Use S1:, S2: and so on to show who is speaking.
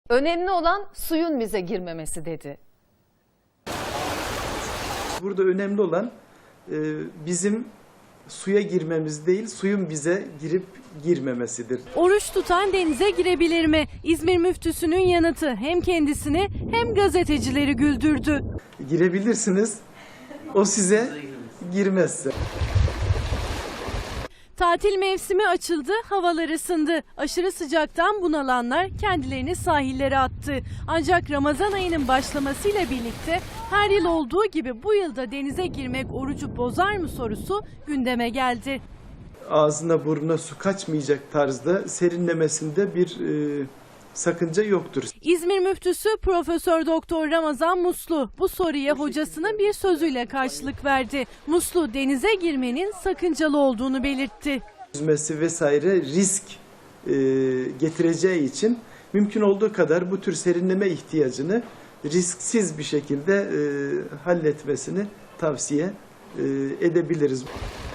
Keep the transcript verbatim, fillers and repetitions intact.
S1: Önemli olan suyun bize girmemesi dedi.
S2: Burada önemli olan e, bizim suya girmemiz değil, suyun bize girip girmemesidir.
S3: Oruç tutan denize girebilir mi? İzmir müftüsünün yanıtı hem kendisini hem gazetecileri güldürdü.
S2: Girebilirsiniz, o size girmezse.
S3: Tatil mevsimi açıldı, havalar ısındı. Aşırı sıcaktan bunalanlar kendilerini sahillere attı. Ancak Ramazan ayının başlamasıyla birlikte her yıl olduğu gibi bu yılda denize girmek orucu bozar mı sorusu gündeme geldi.
S2: Ağzına burnuna su kaçmayacak tarzda serinlemesinde bir e, sakınca yoktur.
S3: İzmir müftüsü Profesör Doktor Ramazan Muslu bu soruya hocasının bir sözüyle karşılık verdi. Muslu denize girmenin sakıncalı olduğunu belirtti.
S2: Yüzmesi vesaire risk e, getireceği için mümkün olduğu kadar bu tür serinleme ihtiyacını risksiz bir şekilde e, halletmesini tavsiye e, edebiliriz.